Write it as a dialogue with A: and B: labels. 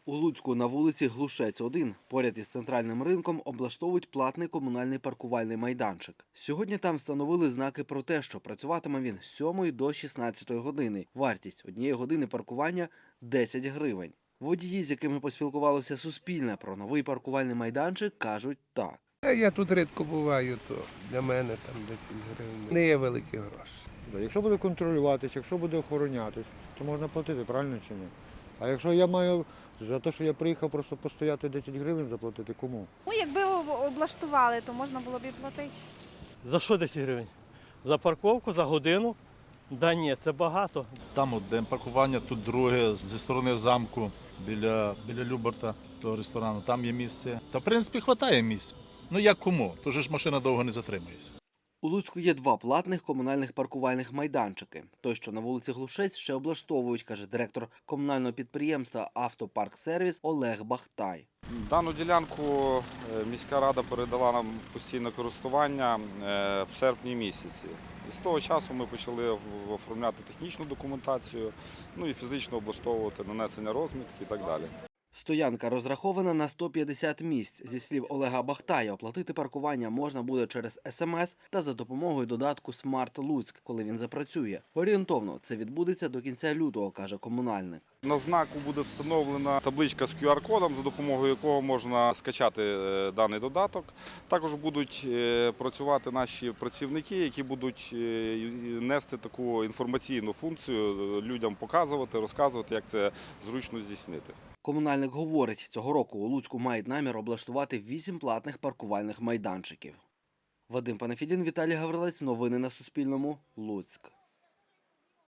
A: У Луцьку на вулиці Глушець-1 поряд із центральним ринком облаштовують платний комунальний паркувальний майданчик. Сьогодні там встановили знаки про те, що працюватиме він з 7 до 16 години. Вартість однієї години паркування – 10 гривень. Водії, з якими поспілкувалося Суспільне про новий паркувальний майданчик, кажуть так.
B: Я тут рідко буваю, то для мене там 10 гривень не є великі гроші.
C: Якщо буде контролюватися, якщо буде охоронятись, то можна платити, правильно чи ні? А якщо я маю за те, що я приїхав просто постояти 10 гривень заплатити, кому?
D: Ну, якби облаштували, то можна було б і платити.
E: За що 10 гривень? За парковку, за годину? Да ні, це багато.
F: Там одне паркування, тут друге, зі сторони замку, біля Люберта, того ресторану, там є місце. Та, в принципі, вистачає місця. Ну як кому? Тож ж машина довго не затримується.
A: У Луцьку є два платних комунальних паркувальних майданчики. Той, що на вулиці Глушець, ще облаштовують, каже директор комунального підприємства «Автопарксервіс» Олег Бахтай.
G: Дану ділянку міська рада передала нам в постійне користування в серпні місяці. І з того часу ми почали оформляти технічну документацію, ну і фізично облаштовувати нанесення розмітки і так далі.
A: Стоянка розрахована на 150 місць. Зі слів Олега Бахтая, оплатити паркування можна буде через СМС та за допомогою додатку «Смарт Луцьк», коли він запрацює. Орієнтовно це відбудеться до кінця лютого, каже комунальник.
G: На знаку буде встановлена табличка з QR-кодом, за допомогою якого можна скачати даний додаток. Також будуть працювати наші працівники, які будуть нести таку інформаційну функцію, людям показувати, розказувати, як це зручно здійснити.
A: Комунальник говорить, цього року у Луцьку мають намір облаштувати 8 платних паркувальних майданчиків. Вадим Панафідін, Віталій Гаврилець. Новини на Суспільному. Луцьк.